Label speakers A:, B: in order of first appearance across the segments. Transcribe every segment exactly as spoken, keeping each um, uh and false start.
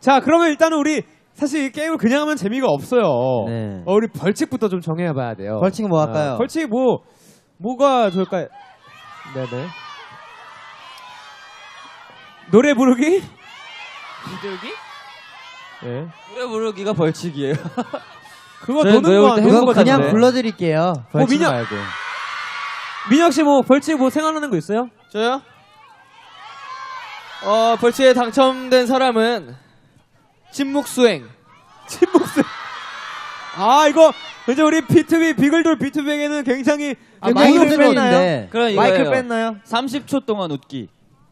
A: 자, 그러면 일단은 우리 사실 이 게임을 그냥 하면 재미가 없어요.
B: 네.
A: 어, 우리 벌칙부터 좀 정해봐야 돼요.
B: 벌칙은 뭐 할까요?
A: 어, 벌칙 뭐 뭐가 좋을까요? 네네. 노래 부르기?
C: 비둘기?
A: 네.
C: 노래 부르기가 벌칙이에요.
A: 그거
C: 저희
A: 노는 거
B: 그건
A: 노는
B: 그냥
A: 거잖아요.
B: 불러드릴게요.
A: 뭐 민혁
C: 말고.
A: 민혁 씨 뭐 벌칙 뭐 생각나는 거 있어요?
C: 저요? 어, 벌칙에 당첨된 사람은 침묵 수행.
A: 침묵 수행. 아, 이거 이제 우리 비투비 비글돌 비투비에게는 굉장히
B: 아,
A: 굉장히
B: 마이크
A: 힘든
B: 뺐나요?
C: 그럼
B: 마이크
C: 이거예요.
B: 뺐나요?
C: 삼십 초 동안 웃기.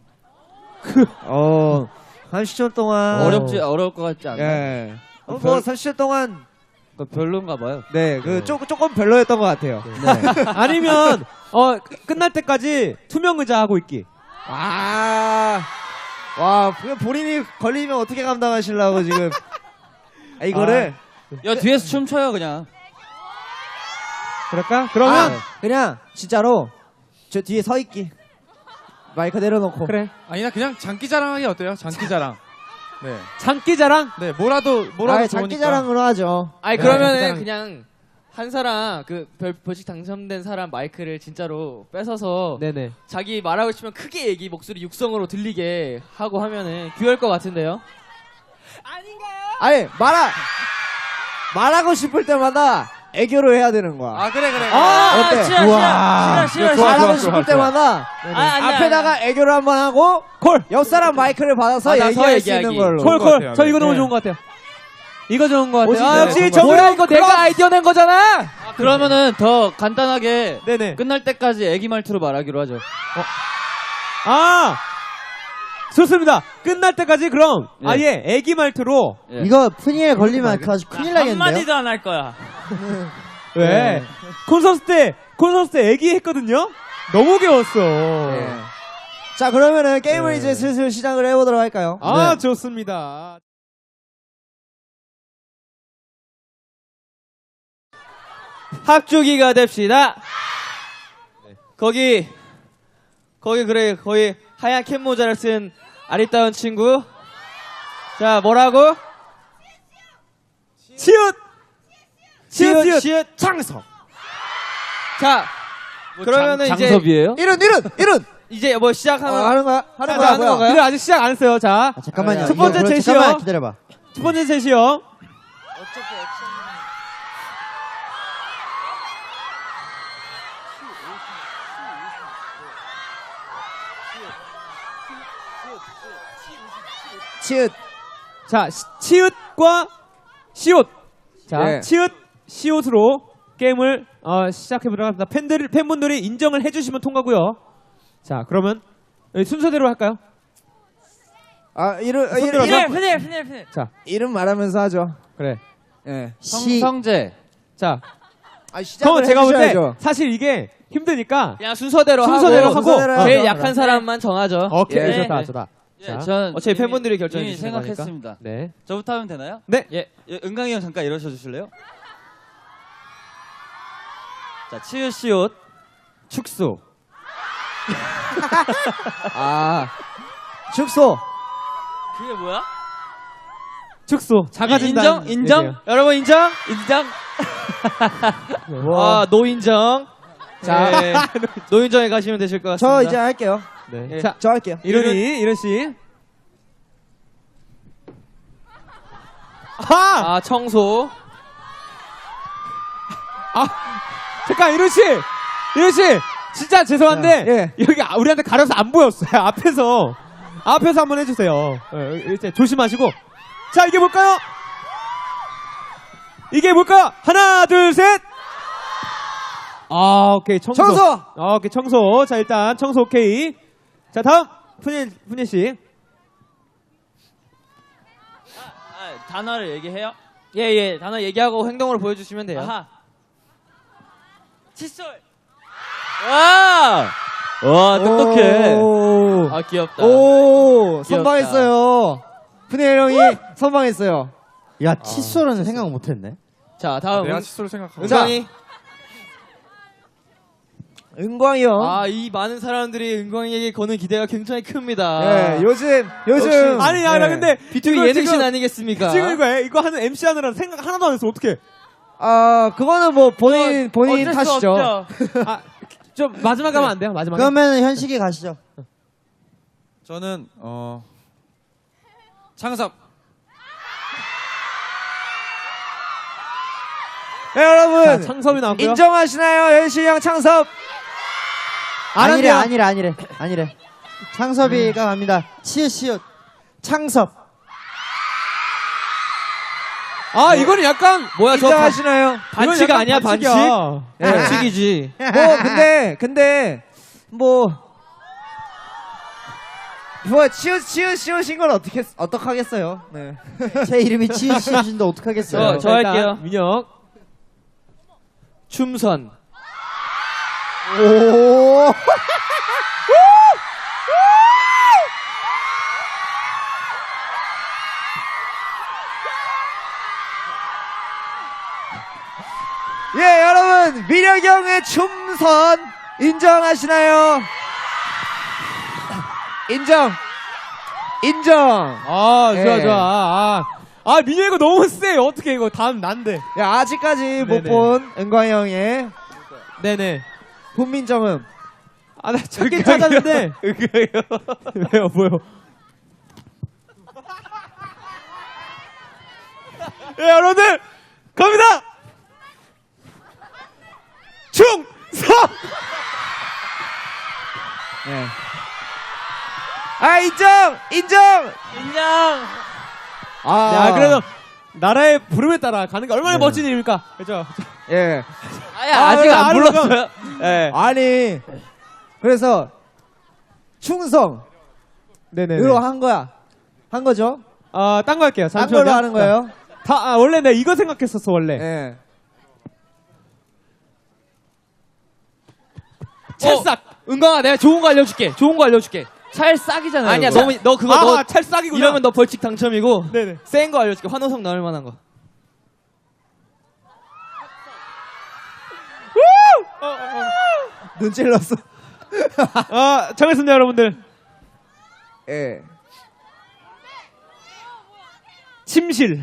B: 어, 삼십 초 동안.
C: 어렵지 어려울 것 같지 않아요?
B: 예. 어,
C: 별-
B: 뭐 삼십 초 동안.
C: 그거 별론가 봐요.
B: 네, 그 조금 조금 별로였던 것 같아요. 네.
A: 아니면 어 끝날 때까지 투명 의자 하고 있기.
B: 아, 와, 그게 본인이 걸리면 어떻게 감당하시려고 지금? 아, 이거를
C: 야 뒤에서 춤춰요 그냥.
A: 그럴까? 그러면
B: 아, 그냥 진짜로 저 뒤에 서 있기. 마이크 내려놓고.
A: 그래.
D: 아니나 그냥 장기자랑하기 어때요? 장기자랑. 네.
A: 장기자랑.
D: 네, 뭐라도 뭐라도
B: 아,
D: 좋으니까.
B: 장기자랑으로 하죠.
E: 아니
A: 네,
E: 그러면은
A: 그냥-
E: 그냥 한 사람 그 별, 벌칙 당첨된 사람 마이크를 진짜로 뺏어서
A: 네네.
E: 자기 말하고 싶으면 크게 얘기 목소리 육성으로 들리게 하고 하면은 귀여울 것 같은데요?
B: 아니 말하 말하고 싶을 때마다 애교를 해야 되는 거야.
C: 아 그래 그래.
B: 아, 어때?
C: 싫어
B: 우와.
C: 싫어 싫어
D: 좋아,
B: 말하고
D: 좋아,
B: 싶을
D: 좋아,
B: 때마다
E: 아, 아니야,
B: 앞에다가 애교를 한번 하고
A: 콜.
B: 옆 사람 마이크를 받아서
E: 받아서
B: 얘기할 수 있는
E: 얘기하기.
B: 걸로.
A: 콜,
D: 것
A: 콜.
D: 같아요.
A: 저 이거
D: 네.
A: 너무
B: 네.
A: 좋은 것 같아요. 이거 좋은 것 같아요.
B: 오시죠.
A: 아,
B: 네,
A: 역시
B: 좋은
A: 저
B: 것
A: 뭐야
B: 같아요.
A: 이거 내가 아이디어 낸 거잖아.
C: 그러면은 더 간단하게
A: 네네.
C: 끝날 때까지 애기 말투로 말하기로 하죠.
A: 아, 좋습니다. 끝날 때까지 그럼
C: 예.
A: 아예 애기 말투로.
C: 예.
B: 이거 푸니에 걸리면 아주 큰일 나겠는데요?
C: 안 할 거야.
A: 왜?
B: 네.
A: 콘서트 때 콘서트 때 애기 했거든요. 너무 귀여웠어.
B: 네. 자 그러면은 게임을
A: 네.
B: 이제 슬슬 시작을 해보도록 할까요?
A: 아,
B: 네.
A: 좋습니다.
E: 합주기가 됩시다. 거기 거기 그래 거기 하얀 캡 모자를 쓴 아리따운 친구. 자 뭐라고?
A: 치읓. 치읓, 치읓.
E: 시읒
A: 창석.
E: 자 그러면은
C: 장,
E: 이제
C: 장섭이에요?
B: 이른 이른 이른.
E: 이제 뭐
B: 어,
E: 시작하면
B: 하는 거야? 하는
A: 자,
B: 거야?
A: 자,
B: 뭐야?
A: 그래 아직 시작 안 했어요. 자,
B: 아, 잠깐만요.
A: 첫 번째
B: 이거 그럼
A: 제시어.
B: 잠깐만 기다려봐.
A: 첫 번째 셋이요.
B: 치읓.
A: 자, 시- 치읓과 시옷. 자,
B: 네.
A: 치읓, 시옷으로 게임을 어, 시작해보도록 합니다. 팬들, 팬분들이 인정을 해주시면 통과고요. 자, 그러면 순서대로 할까요?
B: 아 이름
A: 손
B: 이름
A: 들어서.
B: 이름,
E: 푸닐 푸닐 푸닐.
A: 자,
B: 이름 말하면서 하죠.
A: 그래.
B: 예.
C: 성,
B: 시.
C: 성재.
A: 자,
B: 아 시작을
A: 그럼 제가 볼 때
B: 해주셔야죠.
A: 사실 이게 힘드니까
E: 그냥 순서대로,
A: 순서대로 하고,
B: 순서대로
A: 어.
E: 제일
B: 하죠.
E: 약한 사람만 정하죠.
A: 오케이,
E: 예.
A: 좋다, 좋다. 자,
C: 예, 전
E: 어차피
C: 이미-
E: 팬분들이 결정해
C: 이미
E: 주시는 거니까.
C: 생각했습니다.
A: 네.
C: 저부터 하면 되나요?
A: 네.
C: 예, 예, 은강이 형 잠깐 일어서 주실래요? 자, 치읓 시옷 축소.
B: 아 축소.
C: 그게 뭐야?
A: 축소, 자가진단.
C: 인정? 인정?
E: 여러분 인정? 인정?
B: 와.
E: 아 노인정. 자 네. 노인정에 가시면 되실 것 같습니다.
B: 저 이제 할게요.
A: 네.
E: 예.
A: 자,
B: 저 할게요.
A: 이른이, 이른 씨. 아!
E: 아 청소.
A: 잠깐, 이른 씨! 이른 씨! 진짜 죄송한데,
B: 예.
A: 여기 아- 우리한테 가려서 안 보였어요. 앞에서. 앞에서 한번 해주세요. 어, 이제 조심하시고. 자, 이게 뭘까요? 이게 뭘까요? 하나, 둘, 셋! 아, 오케이. 청소.
B: 청소.
A: 아, 오케이. 청소. 자, 일단 청소 오케이. 자, 다음. 푸니, 푸니 씨.
C: 아, 단어를 얘기해요?
E: 예예 단어 얘기하고 행동으로 보여주시면 돼요.
C: 아하. 칫솔. 와! 와, 똑똑해.
B: 오,
E: 아 귀엽다.
B: 오 선방했어요. 푸니엘 형이 선방했어요. 야 칫솔은 생각 못했네.
E: 자 다음
D: 내가
E: 은-
D: 칫솔 생각하고.
E: 은광이.
B: 은광이 형.
E: 아, 이 많은 사람들이 은광이에게 거는 기대가 굉장히 큽니다.
B: 네, 요즘 요즘
E: 역시-
A: 아니 야 나
B: 네.
A: 근데
E: 비투비
A: 이거
E: 예능신
A: 지금-
E: 아니겠습니까?
A: 지금 이거 해. 이거 하는 엠씨 하느라 생각 하나도 안 했어. 어떻게?
B: 아 그거는 뭐 본인 본인
E: 어쩔 수
B: 탓이죠.
E: 없죠.
A: 아, 좀 마지막 가면 안 돼요? 마지막에.
B: 그러면 현식이 가시죠.
D: 저는 어 창섭.
B: 네, 여러분
A: 자, 창섭이 나왔고요.
B: 인정하시나요, 현식이 형 창섭?
A: 안
B: 아니래
A: 한대요.
B: 아니래 아니래 아니래. 창섭이가 갑니다. 치읓 치읓 창섭.
A: 아 이거는 약간
E: 뭐야, 저 반-
B: 인정하시나요?
E: 반칙
A: 이건 약간
E: 아니야, 반칙?
A: 반칙이야.
B: 네.
E: 반칙이지.
B: 뭐 근데 근데 뭐. 뭐 치읓 치읓 치읓인 걸 어떻게 어떡하겠어요? 네. 제 이름이 치읓 치읓인데 어떡하겠어요?
E: 저- 저
A: 일단
E: 할게요.
A: 민혁.
E: 춤선.
B: 오. 예, 여러분 민혁이 형의 춤선 인정하시나요? 인정. 인정.
A: 아 좋아
B: 예.
A: 좋아. 아, 아 민혁 이거 너무 세. 어떻게 이거 다음 난데.
B: 야, 아직까지 못
A: 네네.
B: 본 은광이 형의
A: 네네.
B: 본민정음.
A: 아 나 찾긴 찾았는데. 왜요 뭐요? 예 여러분들 갑니다. 충성.
B: 네. 아, 인정! 인정!
E: 인정.
B: 아,
A: 야 그래도 나라의 부름에 따라 가는 게 얼마나
B: 네.
A: 멋진 일입니까? 그죠?
B: 예.
E: 아야,
B: 아,
E: 아직 안
A: 아니,
E: 불렀어요. 예.
B: 아니, 그래서 충성으로
A: 네네.
B: 한 거야. 한 거죠?
A: 아딴 거 할게요.
B: 딴
A: 잠시만요.
B: 걸로 하는 거예요?
A: 다 아, 원래 내가 이거 생각했었어 원래.
B: 예.
A: 찰싹.
E: 은광아, 내가 좋은 거 알려줄게. 좋은 거 알려줄게.
C: 찰싹이잖아요.
E: 아니야,
C: 그거.
E: 너무 너 그거
A: 아
E: 너
A: 찰싹이구나.
E: 이러면 너 벌칙 당첨이고.
A: 네네.
E: 센 거 알려줄게. 환호성 나올 만한 거.
B: 눈 찔렀어.
A: 아 정했습니다 여러분들.
B: 예.
A: 침실.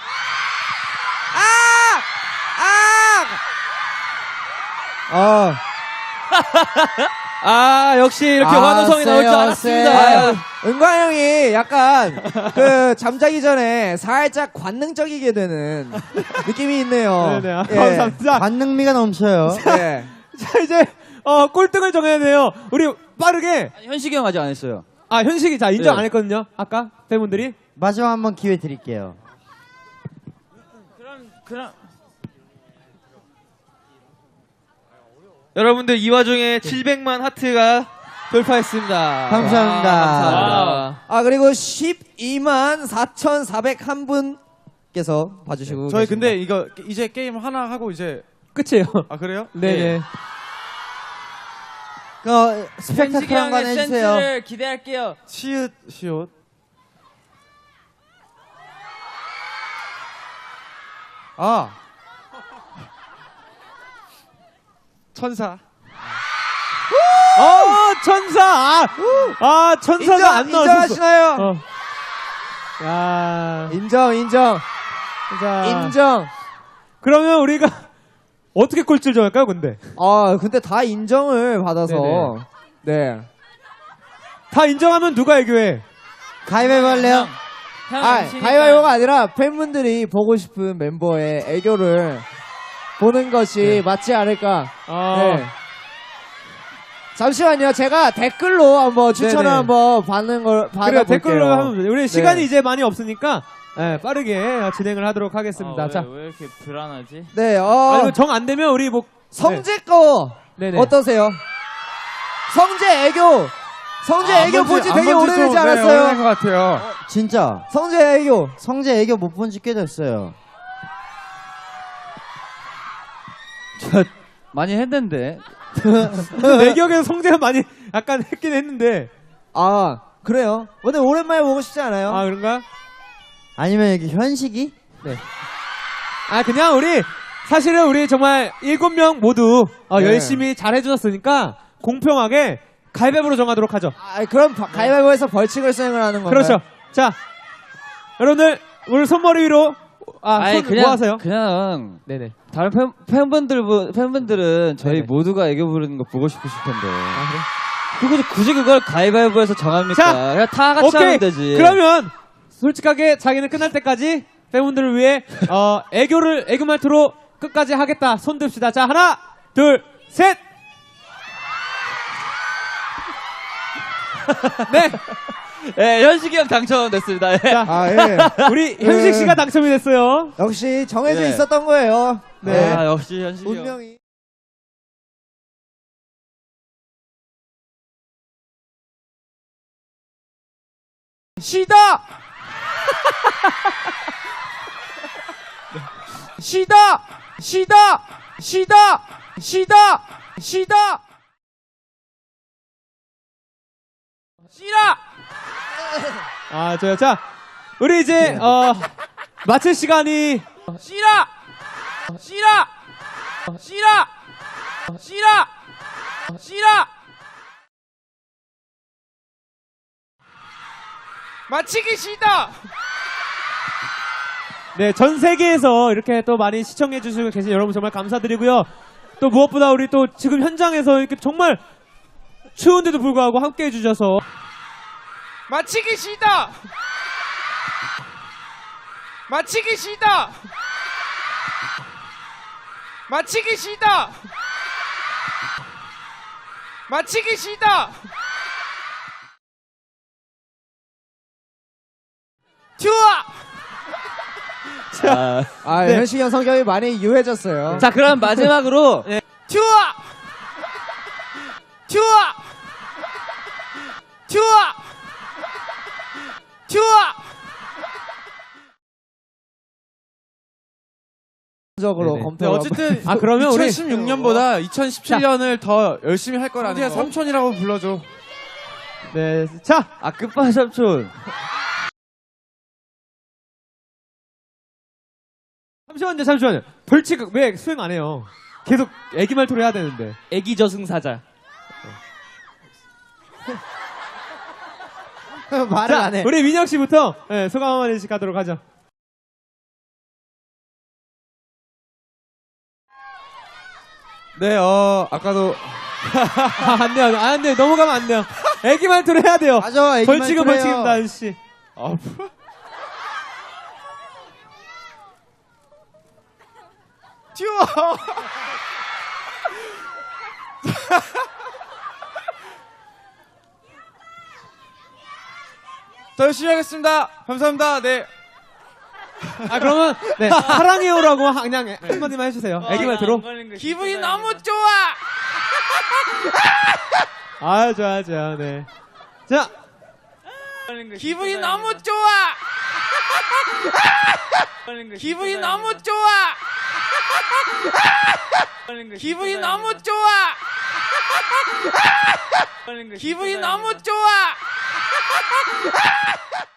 B: 어.
E: 아, 역시 이렇게
B: 아,
E: 환호성이 나올 줄
B: 세요,
E: 알았습니다.
B: 세요. 은광 형이 약간 그 잠자기 전에 살짝 관능적이게 되는 느낌이 있네요.
A: 네네. 아, 감사합니다.
B: 관능미가 넘쳐요. 네.
A: 자 이제 어 꼴등을 정해야 돼요. 우리 빠르게.
C: 아니, 현식이 형 아직 안 했어요.
A: 아 현식이 자 인정
C: 네.
A: 안 했거든요. 아까 팬분들이.
B: 마지막 한번 기회 드릴게요.
C: 그럼
E: 여러분들 이 와중에 칠백만 하트가 돌파했습니다.
B: 감사합니다.
E: 와, 감사합니다.
B: 아, 그리고 십이만 사천사백일 분께서 봐주시고
D: 저희
B: 계십니다.
D: 근데 이거 이제 게임 하나 하고 이제
A: 끝이에요.
D: 아 그래요?
A: 네네.
B: 그 스펙타클한 거 해주세요.
C: 센스를 기대할게요.
D: 치읓 시옷. 아 천사.
A: 어 천사. 아, 아 천사가
B: 인정,
A: 안 나왔었어.
B: 인정하시나요?
A: 어. 야.
B: 인정, 인정,
A: 자.
B: 인정.
A: 그러면 우리가 어떻게 꼴찌를 정할까요, 근데?
B: 아, 근데 다 인정을 받아서
A: 네네.
B: 네.
A: 다 인정하면 누가 애교해?
B: 가위바위보 할래요?
C: 형,
B: 아,
C: MC니까.
B: 가위바위보가 아니라 팬분들이 보고 싶은 멤버의 애교를 보는 것이 맞지 않을까.
A: 아.
B: 네. 잠시만요. 제가 댓글로 한번 추천을
A: 네네.
B: 한번 받는 걸
A: 그래
B: 받아볼게요.
A: 댓글로 하면 돼요. 우리 시간이
B: 네.
A: 이제 많이 없으니까 네, 빠르게 진행을 하도록 하겠습니다.
C: 아,
A: 자,
C: 왜, 왜 이렇게 불안하지?
B: 네,
A: 아,
B: 어,
A: 이거 정 안 되면 우리 뭐
B: 성재 거
A: 네네.
B: 어떠세요? 성재 애교. 성재
D: 아,
B: 애교
D: 안 본지-
B: 본지
D: 안
B: 되게
D: 본지
B: 오래되지
D: 좀, 네,
B: 않았어요?
D: 오래된 것 같아요.
B: 진짜. 성재 애교. 성재 애교 못 본 지 꽤 됐어요.
C: 저 많이 했는데.
A: 내 기억에는 성재가 많이 약간 했긴 했는데
B: 아, 그래요? 오늘 오랜만에 보고 싶지 않아요?
A: 아 그런가?
B: 아니면 여기 현식이?
A: 아 그냥 우리 사실은 우리 정말 일곱 명 모두 어,
B: 네.
A: 열심히 잘 해주셨으니까 공평하게 가위바위보로 정하도록 하죠.
B: 아, 그럼 바- 가위바위보에서 벌칙을 수행을 하는 건가요?
A: 그렇죠. 자, 여러분들 오늘 손머리 위로 아,
C: 아니,
A: 손 뭐 하세요?
C: 그냥
A: 네네.
C: 다른 팬, 팬분들 팬분들은 저희
A: 네네.
C: 모두가 애교 부르는 거 보고 싶으실 텐데. 그거 굳이 그걸 가위바위보에서 정합니까?
A: 자,
C: 그냥 다 같이
A: 오케이.
C: 하면 되지.
A: 그러면 솔직하게 자기는 끝날 때까지 팬분들을 위해 어, 애교를 애교 말투로 끝까지 하겠다. 손 듭시다. 자, 하나, 둘, 셋. 네.
C: 예, 현식이 형 당첨됐습니다. 예.
A: 자,
B: 아, 예.
A: 우리 현식 씨가
B: 네.
A: 당첨이 됐어요.
B: 역시 정해져
C: 네.
B: 있었던 거예요. 네.
C: 아, 역시 현식이 형.
B: 운명이.
D: 시다! 시다! 시다! 시다! 시다! 시다! 시라!
A: 아, 저요. 자, 우리 이제 어 마칠 시간이
D: 시라! 시라! 시라! 시라! 시라! 마치기 시다!
A: 네, 전 세계에서 이렇게 또 많이 시청해 주시고 계신 여러분 정말 감사드리고요. 또 무엇보다 우리 또 지금 현장에서 이렇게 정말 추운데도 불구하고 함께 해주셔서
D: 마치기 시다! 마치기 시다! 마치기 시다! 마치기 시다! 튜아!
C: 자,
B: 아,
A: 네.
B: 현식이 형 성격이 많이 유해졌어요.
C: 자, 그럼 마지막으로
D: 튜아! 튜아! 튜아! 튜아!
B: 적으로
A: 네네.
B: 검토.
D: 네, 어쨌든
A: 아, 그러면 우리-
D: 이천십육 년보다 이천십칠 년을 더 열심히 할 거라는 거. 삼촌이라고 불러줘.
A: 네, 자,
C: 아 끝발 삼촌.
A: 잠시만요, 잠시만요. 벌칙 왜 수행 안 해요? 계속 애기 말투로 해야 되는데.
E: 애기 저승사자.
B: 말을
A: 자,
B: 안 해.
A: 우리 민혁 씨부터 네, 소감 한마디씩 하도록 하죠.
D: 네, 어, 아까도
A: 아, 안 돼요, 안 돼요. 넘어가면 안 돼요. 애기 말투로 해야 돼요.
B: 맞아, 애기
A: 벌칙은
B: 말투로 해요.
A: 벌칙입니다, 아저씨.
D: 아, 튜아! 더 열심히 하겠습니다. 감사합니다. 네.
A: 아, 그러면 네, 사랑해요라고 하- 그냥 한마디만 해주세요. 애기 말투로.
D: 기분이 너무 좋아!
A: 아, 좋아, 좋아, 네. 자,
D: 기분이 너무 좋아! 기분이 너무 좋아! 기분이 너무 좋아! 기분이 너무 좋아!